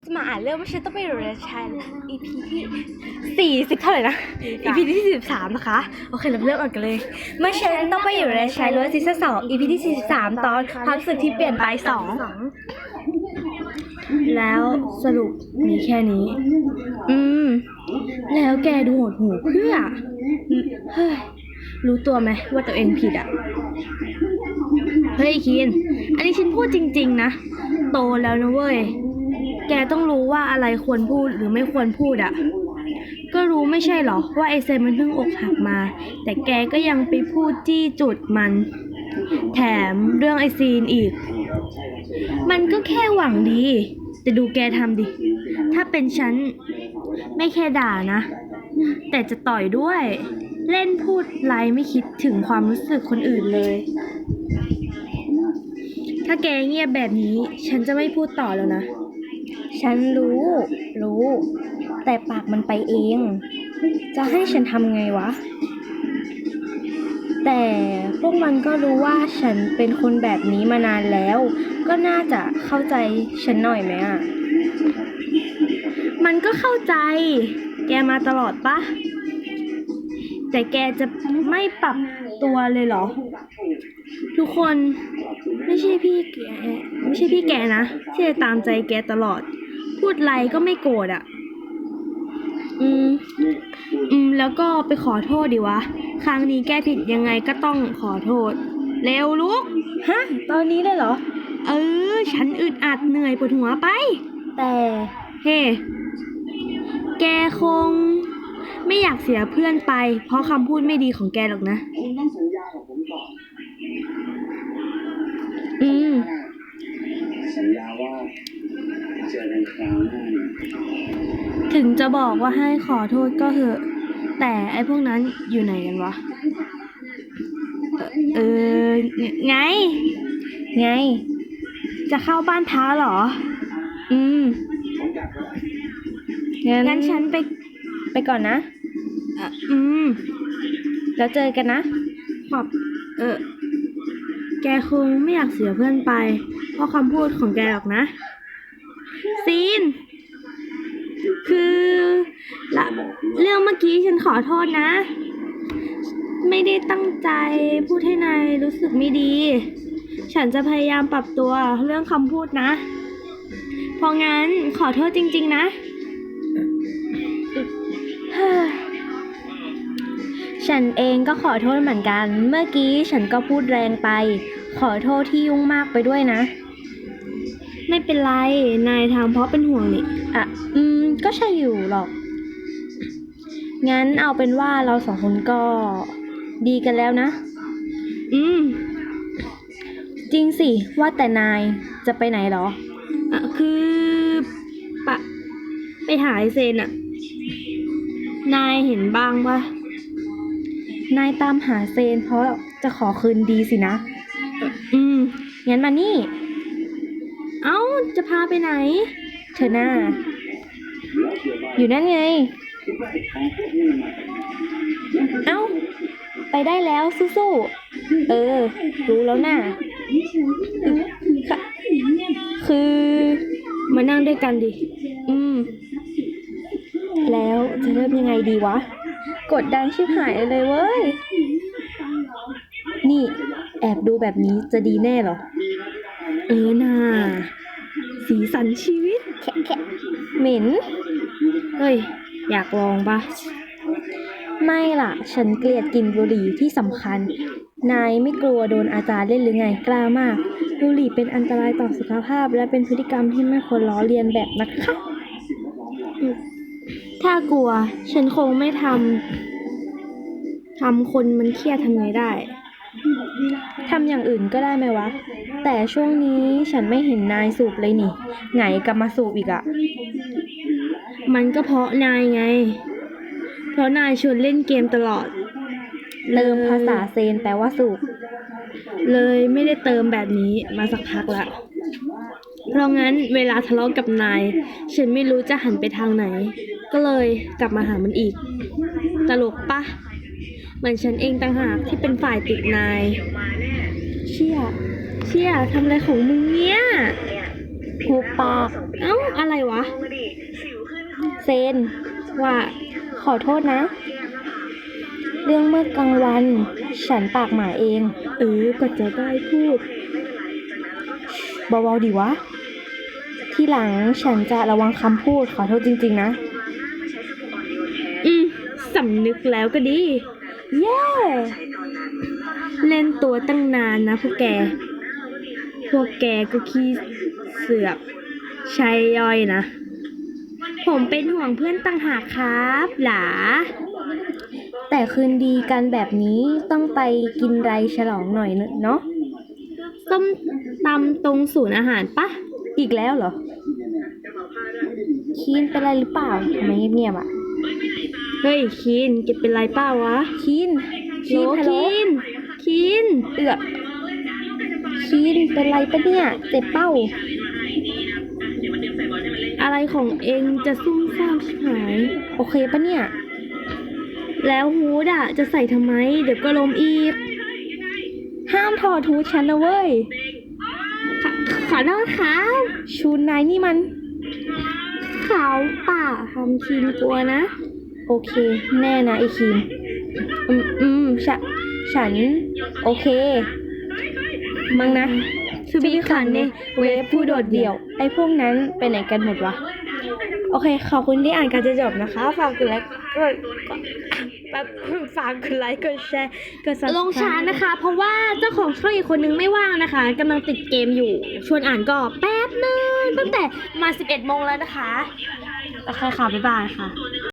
จะมาอ่านเรื่องไม่ใช่ต้องไปเรียนชาย EP ที่40เท่าไหร่นะ EP ที่43นะคะโอเคเราเริ่มอ่านกันเลยเมื่อฉันต้องไปอยู่ในชายล้วนซีซั่น2 EP ที่43ตอนความรู้สึกที่เปลี่ยนไป2แล้วสรุปมีแค่นี้แล้วแกดูโหดหูเพื่อเฮ้ยรู้ตัวไหมว่าตัวเองผิดอ่ะเฮ้ยคินอันนี้ฉันพูดจริงๆนะโตแล้วนะเว้ยแกต้องรู้ว่าอะไรควรพูดหรือไม่ควรพูดอ่ะก็รู้ไม่ใช่หรอว่าไอเซนมันเพิ่งอกหักมาแต่แกก็ยังไปพูดจี้จุดมันแถมเรื่องไอซีนอีกมันก็แค่หวังดีแต่ดูแกทำดิถ้าเป็นฉันไม่แค่ด่านะแต่จะต่อยด้วยเล่นพูดไรไม่คิดถึงความรู้สึกคนอื่นเลยถ้าแกเงียบแบบนี้ฉันจะไม่พูดต่อแล้วนะฉันรู้แต่ปากมันไปเองจะให้ฉันทำไงวะแต่พวกมันก็รู้ว่าฉันเป็นคนแบบนี้มานานแล้วก็น่าจะเข้าใจฉันหน่อยไหมอ่ะมันก็เข้าใจแกมาตลอดปะแต่แกจะไม่ปรับตัวเลยเหรอทุกคนไม่ใช่พี่แกนะที่จะตามใจแกตลอดพูดไรก็ไม่โกรธอ่ะแล้วก็ไปขอโทษดิวะครั้งนี้แกผิดยังไงก็ต้องขอโทษเร็วลุกฮะตอนนี้เลยเหรอฉันอึดอัดเหนื่อยปวดหัวไปแต่เฮ้แกคงไม่อยากเสียเพื่อนไปเพราะคำพูดไม่ดีของแกหรอกนะคุณต้องสัญญากับผมก่อนสัญญาว่าเจอกันคราวหน้าถึงจะบอกว่าให้ขอโทษก็เหอะแต่ไอ้พวกนั้นอยู่ไหนกันวะไงจะเข้าบ้านท้าเหรองั้นฉันไปก่อนนะแล้วเจอกันนะขอบแกคงไม่อยากเสียเพื่อนไปเพราะคำพูดของแกหรอกนะซีนคือละเรื่องเมื่อกี้ฉันขอโทษนะไม่ได้ตั้งใจพูดให้นายรู้สึกไม่ดีฉันจะพยายามปรับตัวเรื่องคำพูดนะเพราะงั้นขอโทษจริงๆนะฉันเองก็ขอโทษเหมือนกันเมื่อกี้ฉันก็พูดแรงไปขอโทษที่ยุ่งมากไปด้วยนะไม่เป็นไรนายทำเพราะเป็นห่วงนี่ก็ใช่อยู่หรอกงั้นเอาเป็นว่าเราสองคนก็ดีกันแล้วนะจริงสิว่าแต่นายจะไปไหนหรอคือไปหาไอเซนอะนายเห็นบ้างปะนายตามหาเซนเพราะจะขอคืนดีสินะงั้นมานี่เอ้าจะพาไปไหนเธอหน้าอยู่นั่นไงเอ้าไปได้แล้วสู้ๆรู้แล้วน่ะคือมานั่งด้วยกันดิแล้วจะเริ่มยังไงดีวะกดดันชิบหายเลยเว้ยนี่แอบดูแบบนี้จะดีแน่เหรอน่าสีสันชีวิตแค่เหม็นเฮ้ยอยากลองปะไม่ล่ะฉันเกลียดกลิ่นบุหรี่ที่สำคัญนายไม่กลัวโดนอาจารย์เล่นหรือไงกล้ามากบุหรี่เป็นอันตรายต่อสุขภาพและเป็นพฤติกรรมที่ไม่ควรล้อเลียนแบบนะคะถ้ากลัวฉันคงไม่ทำคนมันเครียดทำไงได้ทำอย่างอื่นก็ได้ไหมวะแต่ช่วงนี้ฉันไม่เห็นนายสูบเลยนี่ไงกลับมาสูบอีกอะมันก็เพราะนายไงเพราะนายชวนเล่นเกมตลอดเติมภาษาเซนแปลว่าสูบเลยไม่ได้เติมแบบนี้มาสักพักละเพราะงั้นเวลาทะเลาะกับนายฉันไม่รู้จะหันไปทางไหนก็เลยกลับมาหามันอีกตลกปะเหมือนฉันเองต่างหากที่เป็นฝ่ายติดนายเชี่ยทำอะไรของมึงเนี่ยหูปากเอ้าอะไรวะเซนว่าขอโทษนะ เรื่องเมื่อกลางวัน ฉันปากหมาเองก็จะได้พูดเบาๆดีวะ ที่หลังฉันจะระวังคำพูดขอโทษจริงๆนะสำนึกแล้วก็ดีเย้เล่นตัวตั้งนานนะพวกแกก็ขี้เสือกใช่ย่อยนะ ผมเป็นห่วงเพื่อนต่างหากครับหลาแต่คืนดีกันแบบนี้ต้องไปกินไรฉลองหน่อยเนาะส้มตำตรงศูนย์อาหารปะอีกแล้วเหรอ คีนเป็นไรหรือเปล่าทำไมเงียบๆอ่ะเฮ้ยคีนแกเป็นไรเปล่าวะคีนโหลฮัลโหลคีนเอือกคีนเป็นไรปะเนี่ย เจ็บเป้าอะไรของเองจะซุ่มซ่ามชิบหายโอเคปะเนี่ยแล้วฮูดอะจะใส่ทำไม เดี๋ยวก็ล้มอีกห้ามถอดทูฉันนะเว้ยขอโทษครับชูนายนี่มันเขาป่าทำคีนกลัวนะโอเค แน่นะไอคีนฉัน โอเค มั้งนะ To be คันเนี่ยเวฟผู้โดดเดี่ยว ไอพวกนั้นไปไหนกันหมดวะ โอเค ขอบคุณที่อ่านการจะจบนะคะ ฝากกดไลค์ฝากกดไลค์กดแชร์กด subscribe ลงช้านะคะ เพราะว่าเจ้าของช่องอีกคนนึงไม่ว่างนะคะกำลังติดเกมอยู่ ชวนอ่านก็แป๊บนึงตั้งแต่มา 11 โมงแล้วนะคะโอเคค่ะ บ๊ายบายค่ะ